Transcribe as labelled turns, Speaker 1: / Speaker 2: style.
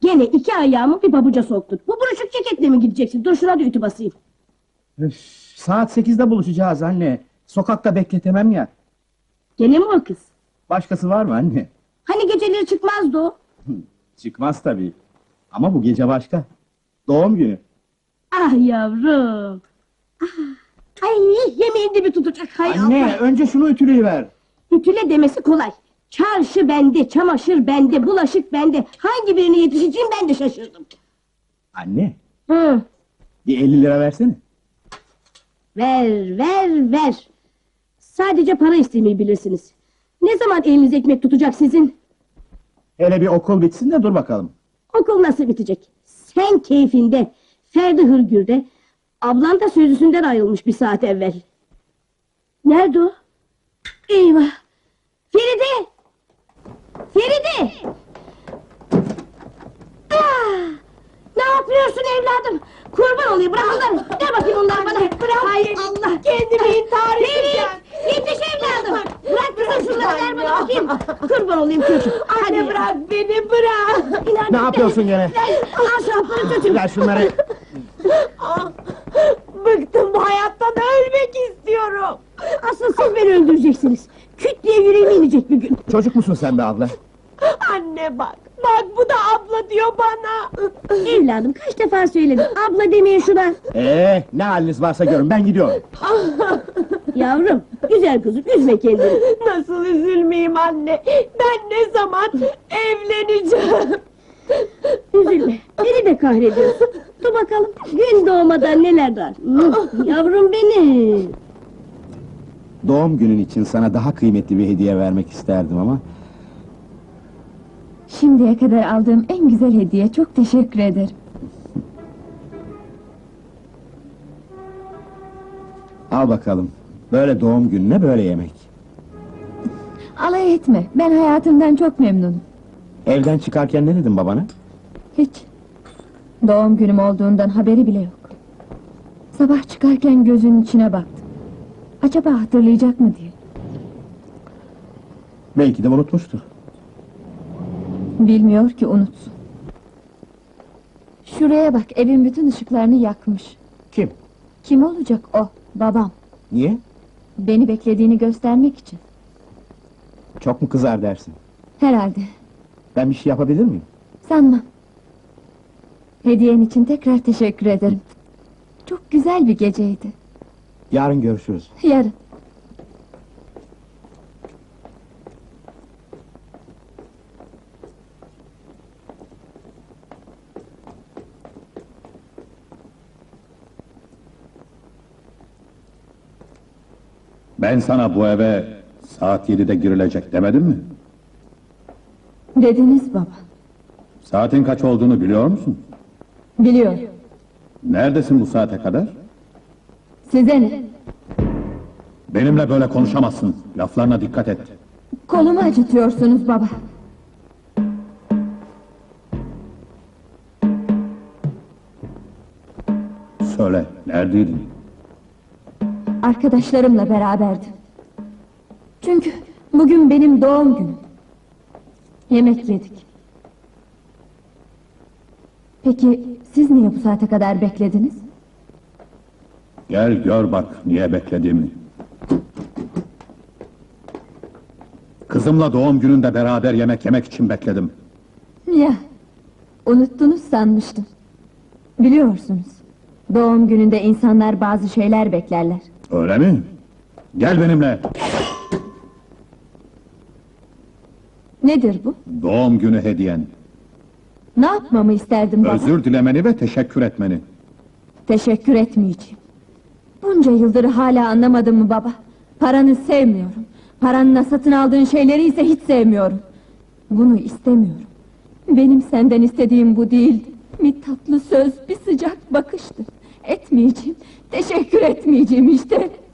Speaker 1: Gene iki ayağımı bir pabuca soktun. Bu buruşuk ceketle mi gideceksin? Dur şuna da ütü basayım.
Speaker 2: Üf, saat 8'de buluşacağız anne. Sokakta bekletemem ya.
Speaker 1: Gene mi o kız?
Speaker 2: Başkası var mı anne?
Speaker 1: Hani geceleri çıkmazdı o?
Speaker 2: Çıkmaz tabii. Ama bu gece başka. Doğum günü.
Speaker 1: Ah yavrum. Ah. Ay yemeğin dibi tutacak. Hay
Speaker 2: Anne
Speaker 1: Allah.
Speaker 2: önce şunu ütüleyiver.
Speaker 1: Ütüle demesi kolay. Çarşı bende, çamaşır bende, bulaşık bende. Hangi birine yetişeceğim ben de şaşırdım.
Speaker 2: Anne
Speaker 1: Hı.
Speaker 2: bir 50 lira versene.
Speaker 1: Ver. Sadece para istemeyi bilirsiniz. Ne zaman eliniz ekmek tutacak sizin?
Speaker 2: Hele bir okul bitsin de dur bakalım.
Speaker 1: Okul nasıl bitecek? Sen keyfinde, Ferdi hırgürde, ablan da sözlüsünden ayrılmış bir saat evvel. Nerede o? Eyvah! Feride! Feride! Ah! Ne yapıyorsun evladım? Kurban olayım, bırak onları! Ver bakayım onları bana! Bırak! Hay Allah!
Speaker 3: Kendimi intihar edeceğim.
Speaker 1: Yetiş evladım! Bırak kızım şunları, ver bana bakayım! Kurban olayım çocuğum!
Speaker 3: Anne bırak beni, bırak.
Speaker 2: Ne yapıyorsun gene?
Speaker 1: Al şapkanı çocuğum!
Speaker 2: Ver şunları.
Speaker 3: Bıktım bu hayattan, ölmek istiyorum.
Speaker 1: Asıl siz beni öldüreceksiniz! Küt diye yüreğime inecek bir gün!
Speaker 2: Çocuk musun sen be abla?
Speaker 3: Anne bak bu da abla diyor bana.
Speaker 1: Evladım kaç defa söyledim, abla demeyin şuna!
Speaker 2: Ne haliniz varsa görün, ben gidiyorum.
Speaker 1: Yavrum, güzel kızım, üzme kendini!
Speaker 3: Nasıl üzülmeyeyim anne? Ben ne zaman evleneceğim?
Speaker 1: Üzülme, beni de kahrediyorsun! Dur bakalım, gün doğmadan neler var! Yavrum benim!
Speaker 2: Doğum günün için sana daha kıymetli bir hediye vermek isterdim ama...
Speaker 4: Şimdiye kadar aldığım en güzel hediye, çok teşekkür ederim.
Speaker 2: Al bakalım, böyle doğum gününe böyle yemek.
Speaker 4: Alay etme, ben hayatımdan çok memnunum.
Speaker 2: Evden çıkarken ne dedin babana?
Speaker 4: Hiç. Doğum günüm olduğundan haberi bile yok. Sabah çıkarken gözünün içine baktım. Acaba hatırlayacak mı diye.
Speaker 2: Belki de unutmuştur.
Speaker 4: Bilmiyor ki unutsun. Şuraya bak, evin bütün ışıklarını yakmış.
Speaker 2: Kim?
Speaker 4: Kim olacak o? Babam.
Speaker 2: Niye?
Speaker 4: Beni beklediğini göstermek için.
Speaker 2: Çok mu kızar dersin?
Speaker 4: Herhalde.
Speaker 2: Ben bir şey yapabilir miyim?
Speaker 4: Sanmam. Hediyen için tekrar teşekkür ederim. Çok güzel bir geceydi.
Speaker 2: Yarın görüşürüz.
Speaker 4: Yarın.
Speaker 5: Ben sana bu eve saat 7'de girilecek demedim mi?
Speaker 4: Dediniz baba.
Speaker 5: Saatin kaç olduğunu biliyor musun?
Speaker 4: Biliyorum.
Speaker 5: Neredesin bu saate kadar?
Speaker 4: Size ne?
Speaker 5: Benimle böyle konuşamazsın. Laflarına dikkat et.
Speaker 4: Kolumu acıtıyorsunuz baba.
Speaker 5: Söyle, neredeydin?
Speaker 4: Arkadaşlarımla beraberdim. Çünkü bugün benim doğum günüm. Yemek yedik. Peki siz niye bu saate kadar beklediniz?
Speaker 5: Gel gör bak niye beklediğimi. Kızımla doğum gününde beraber yemek yemek için bekledim.
Speaker 4: Ya, unuttunuz sanmıştım. Biliyorsunuz, doğum gününde insanlar bazı şeyler beklerler.
Speaker 5: Öyle mi? Gel benimle.
Speaker 4: Nedir bu?
Speaker 5: Doğum günü hediyen.
Speaker 4: Ne yapmamı isterdin baba?
Speaker 5: Özür dilemeni ve teşekkür etmeni.
Speaker 4: Teşekkür etmeyeceğim. Bunca yıldır hala anlamadın mı baba? Paranı sevmiyorum. Paranla satın aldığın şeyleri ise hiç sevmiyorum. Bunu istemiyorum. Benim senden istediğim bu değildi. Bir tatlı söz, bir sıcak bakıştı. Etmeyeceğim, teşekkür etmeyeceğim işte.